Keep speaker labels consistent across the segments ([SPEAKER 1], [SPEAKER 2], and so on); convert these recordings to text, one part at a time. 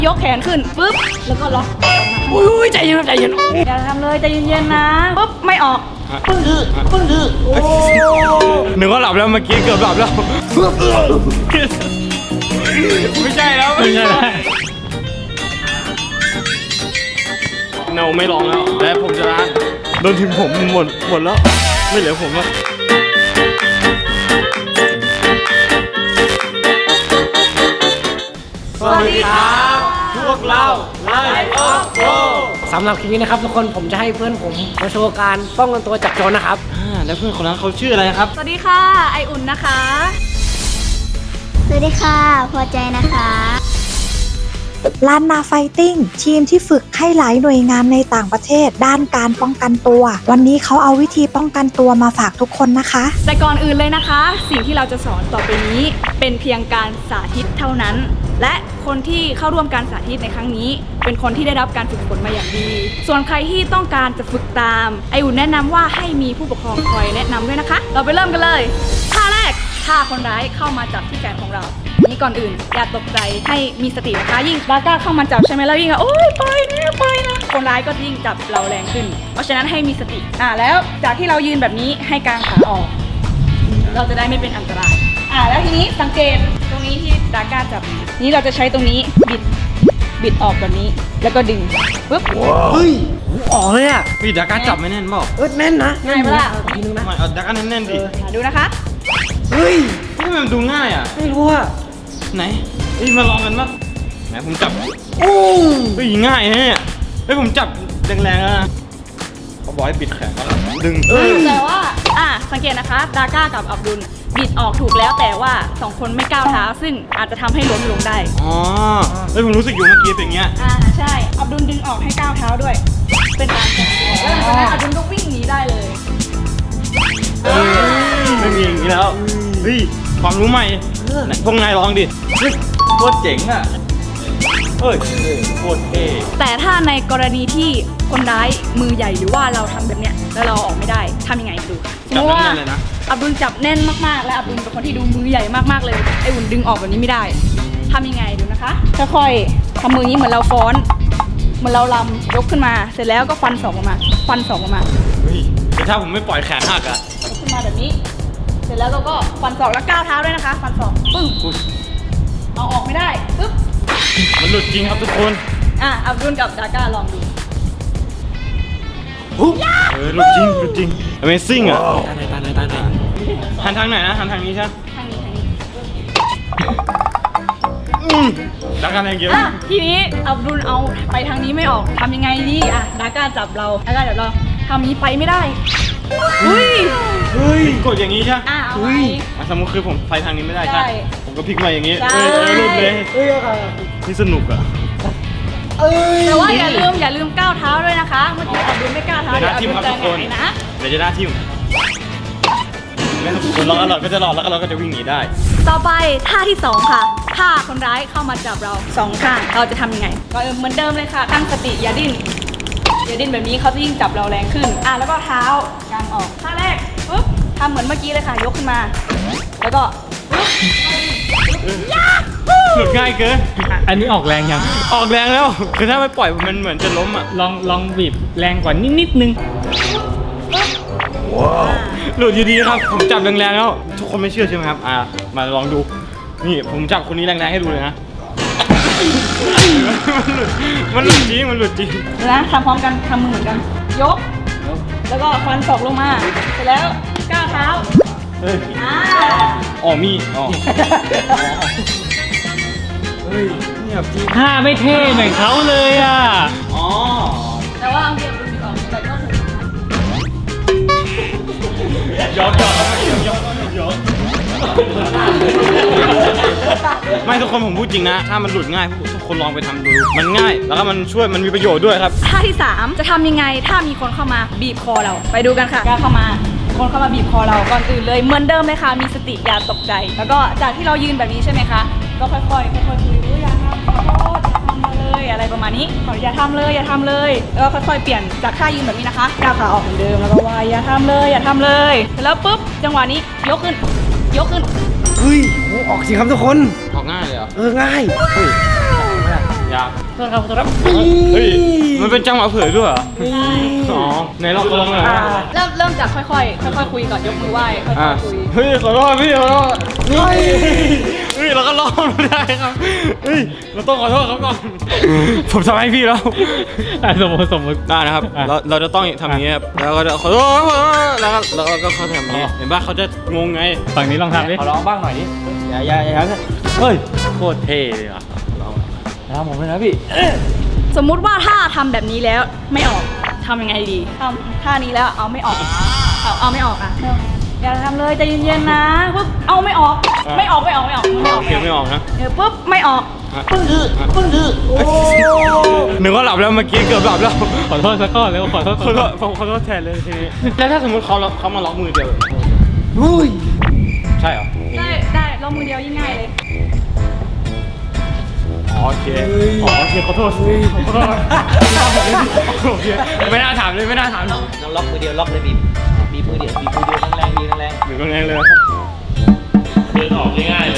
[SPEAKER 1] ยกแขนขึ้นปุ๊บแล้วก็ล็อก
[SPEAKER 2] อุ้ยใจเย็นใจเย็น
[SPEAKER 1] อย่าทำเลยใจเย็นๆนะปุ๊บไม่ออกปึ้งโอ้
[SPEAKER 2] หนึ่งก็หลับแล้วเมื่อกี้เกือบหลับแล้วไม่ใช่แล้วไม่ใช่แล้วเนาไม่ร้องแล้วและผมจะล้างโดนทีมผมหมดแล้วไม่เหลือผมแล้วสวัสดีครับพวกเราไลฟ์ออฟโก
[SPEAKER 3] สำหรับคลิปนี้นะครับทุกคนผมจะให้เพื่อนผมมาโชว์การป้องกันตัวจากโจรนะครับ
[SPEAKER 2] แล้วเพื่อนคนนั้นเขาชื่ออะไรครับ
[SPEAKER 1] สวัสดีค่ะไออุ่นนะคะ
[SPEAKER 4] สวัสดีค่ะพอใจนะคะ
[SPEAKER 5] ล้านนาไฟติ้งทีมที่ฝึกให้หลายหน่วยงานในต่างประเทศด้านการป้องกันตัว วันนี้เขาเอาวิธีป้องกันตัวมาฝากทุกคนนะคะ
[SPEAKER 1] แต่ก่อนอื่นเลยนะคะ สิ่งที่เราจะสอนต่อไปนี้เป็นเพียงการสาธิตเท่านั้น และคนที่เข้าร่วมการสาธิตในครั้งนี้ เป็นคนที่ได้รับการฝึกฝนมาอย่างดี ส่วนใครที่ต้องการจะฝึกตามไออุ่นแนะนำว่าให้มีผู้ปกครองคอยแนะนำด้วยนะคะ เราไปเริ่มกันเลยท่าแรกท่าคนร้ายเข้ามาจับที่แขนของเรานี่ก่อนอื่นอย่าตกใจให้มีสตินะคะยิ่งบาก้าเข้ามาจับใช่ไหมแล้วยิ่งโอ๊ยปล่อยนะคนร้ายก็ยิ่งจับเราแรงขึ้น เพราะฉะนั้นให้มีสติแล้วจากที่เรายืนแบบนี้ให้กางขาออก เราจะได้ไม่เป็นอันตรายแล้วทีนี้สังเกตตรงนี้ที่ดาก้าจับนี้เราจะใช้ตรงนี้บิดออกแบบนี้แล้วก็ดึงปุ๊บ
[SPEAKER 3] เฮ้ยออกเลยอ่ะ
[SPEAKER 2] พี่ดาก้าจับไม่แน่นเปล่า
[SPEAKER 3] แน่นนะ
[SPEAKER 1] ง่ายปะล่ะ
[SPEAKER 3] ทีนึงนะ
[SPEAKER 2] ไม่เอาดาก้าแน่นๆดิ
[SPEAKER 1] ดูนะคะ
[SPEAKER 3] เฮ้ย
[SPEAKER 2] ทำไมมันดูง่ายอ่ะ
[SPEAKER 3] ไม่รู้อ่ะ
[SPEAKER 2] ไหนมาลองกันปะไหนผมจับ
[SPEAKER 3] โอ้
[SPEAKER 2] เฮ้ยง่ายนะเนี่ยผมจับแรงๆแล้วนะเขาบอกให้ปิดแขนแล้วดึง
[SPEAKER 1] แต่ว่าสังเกตนะคะดาก้ากับอับดุลบิดออกถูกแล้วแต่ว่า2คนไม่ก้าวเท้าซึ่งอาจจะทำให้ล้มลงได้
[SPEAKER 2] อ๋อผมรู้สึกอยู่เมื่อกี้เป็นอย่างเงี้ย
[SPEAKER 1] ใช่อับดุลดึงออกให้ก้าวเท้าด้วย เป็นการแข่งแล้วหลังจากนั้นอับดุลก็วิ่งหนีได้เลย
[SPEAKER 2] ไม่มีอย่างนี้แล้วเฮ้ยความรู้ใหม่ไหนพวกนายลองดิเฮ้ยโคตรเจ๋งอ่ะเฮ้ยโคตรเท่
[SPEAKER 1] แต่ถ้าในกรณีที่คนร้ายมือใหญ่หรือว่าเราทำแบบเนี้ยแล้วเราออกไม่ได้ทำยังไงดูค่ะสม
[SPEAKER 2] จับ
[SPEAKER 1] มติว่า
[SPEAKER 2] แน่นๆเลยนะ
[SPEAKER 1] อับดุลจับแน่นมากๆและอับดุลเป็นคนที่ดูมือใหญ่มากๆเลยไออุ่นดึงออกแบบนี้ไม่ได้ทำยังไงดูนะคะค่อยๆทำมือนี้เหมือนเราฟ้อนเหมือนเราลำยกขึ้นมาเสร็จแล้วก็ฟันศอกออกมา
[SPEAKER 2] เฮ้ยแต่ถ้าผมไม่ปล่อยแขนหักอ่ะ
[SPEAKER 1] ยกขึ้นมาแบบนี้ เสร็จแล้วเราก็ฟันศอกแล้วก้าวเท้าด้วยนะคะฟันศอกปึ้ง
[SPEAKER 2] อุ๊ย
[SPEAKER 1] เอาออกไม่ได้ปึ๊บ
[SPEAKER 2] มันหลุดจริงครับทุกคน
[SPEAKER 1] อับดุลกับดาก้าลองดู
[SPEAKER 2] หลุดจริง Amazing อ่ะ
[SPEAKER 3] ตาไหน
[SPEAKER 2] หันทางไหนนะหันทางนี้ใช่ไหม
[SPEAKER 1] ทางนี้
[SPEAKER 2] ดักกันแรงเยอะ
[SPEAKER 1] ทีนี้อับดุลเอาไปทางนี้ไม่ออกทำยังไงดีดาก้าจับเราทำนี้ไปไม่ได้เฮ้ย
[SPEAKER 2] กดอย่างนี้ใช่ไหม
[SPEAKER 1] เอาไว้
[SPEAKER 2] สมมติคือผมไปทางนี้ไม่ได้ใช่
[SPEAKER 1] ใช่
[SPEAKER 2] ผมก็พลิกมาอย่างนี้
[SPEAKER 1] ใช่
[SPEAKER 2] หลุดเลย
[SPEAKER 3] เฮ้ยอะไร
[SPEAKER 2] นี่สนุกอ่ะ
[SPEAKER 1] แต่ว่าอย่าลืมก้าวเท้าด้วยนะคะเมื่อกี้อับดุลไม่ก้าวเท้า
[SPEAKER 2] เดี๋
[SPEAKER 1] เดี๋
[SPEAKER 2] ย
[SPEAKER 1] ยว ว
[SPEAKER 2] หน้า
[SPEAKER 1] อับ
[SPEAKER 2] ทิ่
[SPEAKER 1] ดุ
[SPEAKER 2] ม
[SPEAKER 1] ล
[SPEAKER 2] ครับ
[SPEAKER 1] จะ
[SPEAKER 2] ทุกคน
[SPEAKER 1] ไหนนะ
[SPEAKER 2] เดี๋ยวจะหน้าทิ่มแล้วคนร้องอร่อยก็จะหลอดแล้วก็เราก็จะวิ่งหนีได้
[SPEAKER 1] ต่อไปท่าที่2ค่ะถ้าคนร้ายเข้ามาจับเรา2ข้างเราจะทำยังไงก็เหมือนเดิมเลยค่ะตั้งสติอย่าดิ้นแบบนี้เขาจะยิ่งจับเราแรงขึ้นแล้วก็เท้ากางออกท่าแรกปุ๊บทำเหมือนเมื่อกี้เลยค่ะยกขึ้นมา แล้วก็ปุ๊บ
[SPEAKER 2] หลุดง่ายเกิน
[SPEAKER 6] อันนี้ออกแรงยัง
[SPEAKER 2] ออกแรงแล้วคือถ้าไม่ปล่อยมันเหมือนจะล้มอ่ะ
[SPEAKER 6] ลองบีบแรงกว่านิดนึง
[SPEAKER 2] หลุดอยู่ดีครับผมจับแรงๆแล้วทุกคนไม่เชื่อใช่ไหมครับมาลองดูนี่ผมจับคนนี้แรงๆให้ดูเลยนะมันหลุดจริง
[SPEAKER 1] นะทำพร้อมกันทำมือเหมือนกัน ยก แล้วก็ฟันศอกลงมา เสร็จแล้วก้าวเท้า
[SPEAKER 2] เฮ้ย
[SPEAKER 1] อ่า
[SPEAKER 2] มีเฮ้ยเนี่ยจริง
[SPEAKER 6] ถ้าไม่เท่เหมือนเขาเลยอ่ะ
[SPEAKER 2] อ๋อ
[SPEAKER 1] แต่ว่าเอาเดียวดูออกแต่ก็ถูก
[SPEAKER 2] ยอกไม่ทุกคนผมพูดจริงนะถ้ามันหลุดง่ายทุกคนลองไปทำดูมันง่ายแล้วก็มันช่วยมันมีประโยชน์ด้วยครับ
[SPEAKER 1] ท่าที่ 3 จะทำยังไงถ้ามีคนเข้ามาบีบคอเรา ไปดูกันค่ะก้าวเข้ามา คนเข้ามาบีบคอเราก่อนอื่นเลยเหมือนเดิมเลยค่ะ มีสติอย่าตกใจ แล้วก็จากที่เรายืนแบบนี้ใช่ไหมคะ ก็ค่อยๆคุยอย่าทำขอโทษอย่าทำเลยอะไรประมาณนี้อย่าทำเลยแล้วก็ค่อยๆเปลี่ยนจากท่ายืนแบบนี้นะคะก้าวขาออกเหมือนเดิมแล้วก็ว่าอย่าทำเลยแล้วปุ๊บจังหวะนี้ยกขึ้น
[SPEAKER 3] เฮ้ยออกสิครับทุกคน
[SPEAKER 2] ออกง่ายเลยเหรอ
[SPEAKER 3] ง่าย
[SPEAKER 2] เฮ้ยยาก
[SPEAKER 3] เพื่อนครับขอโทษครับ
[SPEAKER 2] เฮ้ยมันเป็นจังหวะเผยด้วยเหรอ
[SPEAKER 1] ใช่
[SPEAKER 2] อ๋อในรอบลงเลย
[SPEAKER 1] เริ่มจากค่อยๆคุยก่อนยกมือไหว้ค่อยๆคุย
[SPEAKER 2] เฮ้ยขอโทษพี่ขอโทษเฮ้ยเราก็รอดไม่ได้ครับเฮ้ยเราต้องขอโทษเขาก่อนผมทำให้พี่แล้ว
[SPEAKER 6] สมมติ
[SPEAKER 2] ได้นะครับ
[SPEAKER 6] อ่ะ
[SPEAKER 2] เราจะต้องทำอย่างนี้ครับแล้วก็จะขอโทษแล้วก็เขาทำอย่างนี้เห็นป่ะเขาจะงงไง
[SPEAKER 6] ฝั่งนี้ลองทำดิ
[SPEAKER 2] ขอร้องบ้างหน่อยดิอย่าเฮ้ยโคตรเท่เลยอ่ะลองผมเลยนะพี่
[SPEAKER 1] สมมุติว่าถ้าทำแบบนี้แล้วไม่ออกทำยังไงดีทำท่านี้แล้วเอาไม่ออกเอาไม่ออกอ่ะอย่าทำเลยใจเย็นๆนะปุ๊บเอาไม่ออกไม่ออก
[SPEAKER 2] โอเคไม่ออกนะ
[SPEAKER 1] ปุ๊บไม่ออกปึ้งโอ้
[SPEAKER 2] นึกว่าหลับแล้วเมื่อกี้เกือบหลับแล้ว
[SPEAKER 6] ขอโทษสักก้อนแล้วขอโทษ
[SPEAKER 2] ขอโทษผมขอโทษแทนเลยทีนี้แล้วถ้าสมมติเขามาล็อกมือเดียวใช่เหรอ
[SPEAKER 1] ได้ลงมือเดียวยิ่งง่ายเลย
[SPEAKER 2] โอเคขอโทษโอเคไม่น่าถามเลยไม่น่าถาม
[SPEAKER 7] น้องล็อกมือเดียวล็อกเลยบีบมือเดียวแรงๆแรง
[SPEAKER 2] หรือก็แรงเลย
[SPEAKER 7] เดินออกง่ายๆเลย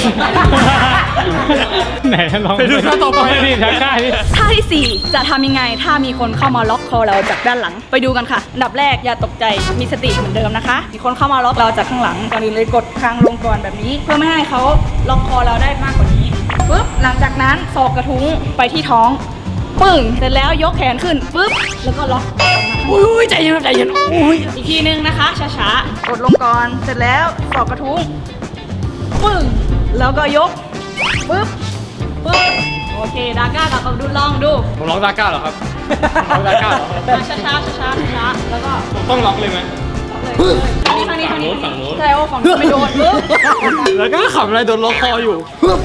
[SPEAKER 6] ไหนลอง
[SPEAKER 2] ไปดูท่าต่อไป
[SPEAKER 6] ดิท่าดิ
[SPEAKER 1] ท่าที่ 4 จะทำยังไงถ้ามีคนเข้ามาล็อกคอเราจากด้านหลังไปดูกันค่ะอันดับแรกอย่าตกใจมีสติเหมือนเดิมนะคะมีคนเข้ามาล็อกเราจากข้างหลังก่อนอื่นเลยกดคางลงก่อนแบบนี้ เพื่อไม่ให้เขาล็อกคอเราได้มากกว่านี้ปุ๊บหลังจากนั้นศอกกระทุ้งไปที่ท้องปึ้งเสร็จแล้วยกแขนขึ้นปุ๊บแล้วก็ล็อก
[SPEAKER 3] อุ้ยใจเย็นอุ้ย
[SPEAKER 1] อีกทีนึงนะคะช้าๆกดลงก่อนเสร็จแล้วศอกกระทุ้งปึ้งแล้วก็ยกปุ๊บโอเคดาก้ากับอับดุลลองดู
[SPEAKER 2] ผมล็อกดาก้าเหรอครับล็อกดาก้าเหรอ
[SPEAKER 1] ช้าแล้วก็
[SPEAKER 2] ต้องล็อกเลยไหม
[SPEAKER 1] ทางนี้ใช่ว่าฝั่งนู้นไม่โดนปุ๊บ
[SPEAKER 2] แล้วก็ขำอะไรโดนล็อกคออยู่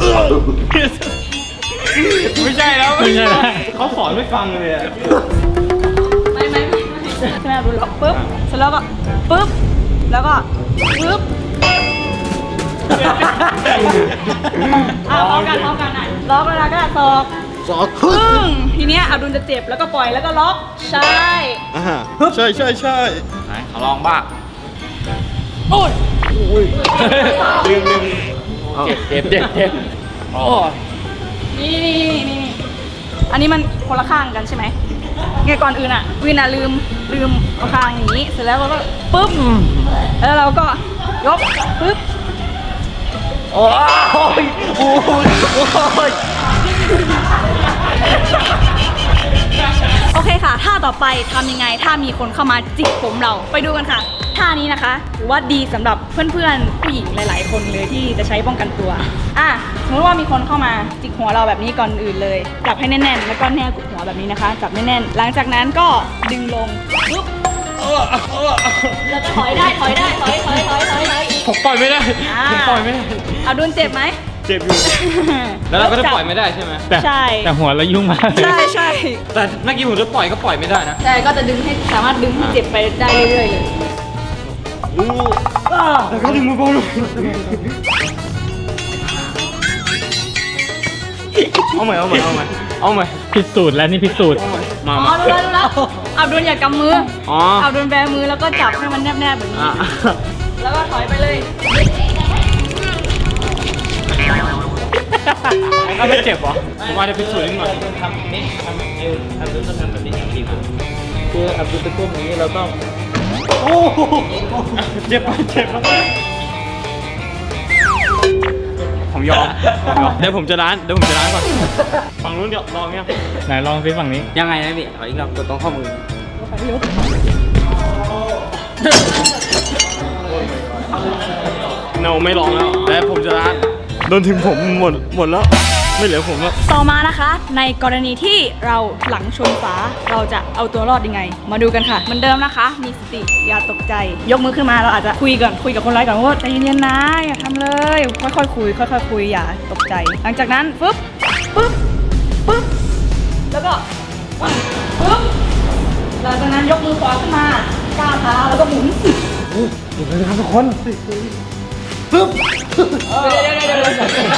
[SPEAKER 2] ไม่ใช่แล้ว
[SPEAKER 6] ไม่ใช่แล้ว
[SPEAKER 2] เขาสอนไม่ฟังเลยอะ
[SPEAKER 1] ไม่ใช่อับดุลล็อกปุ๊บเสร็จแล้วก็ปุ๊บแล้วก็ปุ๊บพร้อมกันอ่ะล็อกแล้วก็ศอกปึ้งทีเนี้ยอับดุลจะเจ็บแล้วก็ปล่อยแล้วก็ล็อกใช่
[SPEAKER 2] ใช่
[SPEAKER 7] ไหนขอลองบ้าง
[SPEAKER 2] ลืม
[SPEAKER 7] เจ็บโอ้ย
[SPEAKER 1] นี่อันนี้มันคนละข้างกันใช่ไหมไงก่อนอื่นอ่ะวินอ่ะลืมเอาข้างอย่างนี้เสร็จแล้วเราก็ปุ๊บแล้วเราก็ยกปุ๊บ
[SPEAKER 7] โอ้ย
[SPEAKER 1] โอเคค่ะท่าต่อไปทำยังไงถ้ามีคนเข้ามาจิกผมเราไปดูกันค่ะท่านี้นะคะถือว่าดีสำหรับเพื่อนๆผู้หญิงหลายๆคนเลยที่จะใช้ป้องกันตัวสมมติว่ามีคนเข้ามาจิกหัวเราแบบนี้ก่อนอื่นเลยจับให้แน่นๆแล้วก็แนบกับหัวแบบนี้นะคะจับแน่นๆหลังจากนั้นก็ดึงลงปุ๊บแล้วก็ถอยถอยอีก
[SPEAKER 2] ผมปล่อยไม่ได้ผมปล่อยไม่ได้
[SPEAKER 1] เอาดุนเจ็บไหม
[SPEAKER 2] เจ็บอยู่แล้วเราก็จะปล่อยไม่ได้ใช่ไหม
[SPEAKER 1] ใช่
[SPEAKER 6] แต่หัวเรายุ่งมากเลย
[SPEAKER 1] ใช่
[SPEAKER 2] แต่เมื่อกี้ผมจะปล่อยก็ปล่อยไม่ได้นะ
[SPEAKER 1] ใช่ก็จะดึงให้สามารถดึงให้เจ็บไปได้เรื่อยๆเลย
[SPEAKER 2] แล้วก็ดึงมือเบาลงเอาใหม่
[SPEAKER 6] พิสูจน์แล้วนี่พิสูจน์
[SPEAKER 2] มา
[SPEAKER 1] อ๋อรู้แล้วอับดุลอย่ากำมือ
[SPEAKER 2] อ๋อ
[SPEAKER 1] อับดุลแบมือแล้วก็จับให้มันแนบๆแบบนี้ แล้วก็ถอยไปเลย
[SPEAKER 2] ก็ไม่เจ็บเหรอผมว่าจะพิสูจน์นิดหน่อย
[SPEAKER 7] ทำนี่ทำเอวอับดุลต้องทำแบบนี้ดีกว่าคืออับดุลตะกุ่มอย่างนี้เราต้อง
[SPEAKER 2] เจ็บปะผมยอมเดี๋ยวผมจะล้างก่อนฝั่งนู้นเดี๋ยวลองยัง
[SPEAKER 6] ไหนลองซิฝั่งนี้
[SPEAKER 7] ยังไงนะพี่ขออีกรอบกดตรงข้อมือ
[SPEAKER 2] เราไม่ลองแล้วแต่ผมจะล้างโดนถึงผมหมดแล้วไม่เหลือผมแล้ว
[SPEAKER 1] ต่อมานะคะ ในกรณีที่เราหลังชนฝาเราจะเอาตัวรอดยังไง มาดูกันค่ะเหมือนเดิมนะคะ มีสติอย่าตกใจ ยกมือขึ้นมาเราอาจจะคุยกับคนร้ายก่อนว่าใจเย็นๆนะอย่าทำเลยค่อยๆคุยอย่าตกใจ หลังจากนั้นปุ๊บแล้วก็ปุ๊บหลังจากนั้นยกมือขวาขึ้นมาก้าวเท้าแล้วก็หมุนเดี๋ยวนะครับทุกคนปุ๊บเดี๋ยว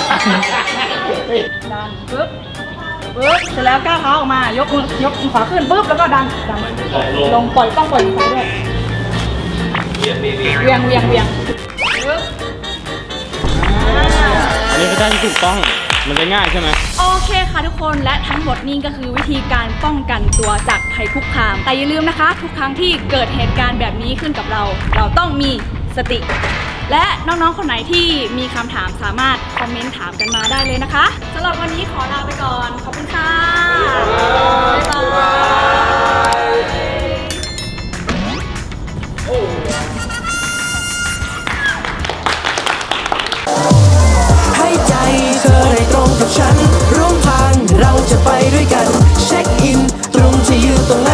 [SPEAKER 1] ดันปุ๊บเสร็จแล้วก้าวเท้าออกมายกมือขวาขึ้นปุ๊บแล้วก็ดันลงปล่อยต้องปล่อยมือซ้ายด้วยเวียงปุ๊บ
[SPEAKER 2] อันนี้ก็ได้ที่ถูกต้องมันจะง่ายใช่ไหม
[SPEAKER 1] โอเคเคค่ะทุกคนและทั้งหมดนี้ก็คือวิธีการป้องกันตัวจากภัยคุกคาม แต่อย่าลืมนะคะ ทุกครั้งที่เกิดเหตุการณ์แบบนี้ขึ้นกับเรา เราต้องมีสติ และน้องๆคนไหนที่มีคำถามสามารถคอมเมนต์ถามกันมาได้เลยนะคะสำหรับวันนี้ขอลาไปก่อนขอบคุณค่ะบ๊ายบาย
[SPEAKER 8] ให้ใจเธอได้ตรงกับฉันร่วมทางเราจะไปด้วยกันเช็คอินตรงที่อยู่ตรงนั้น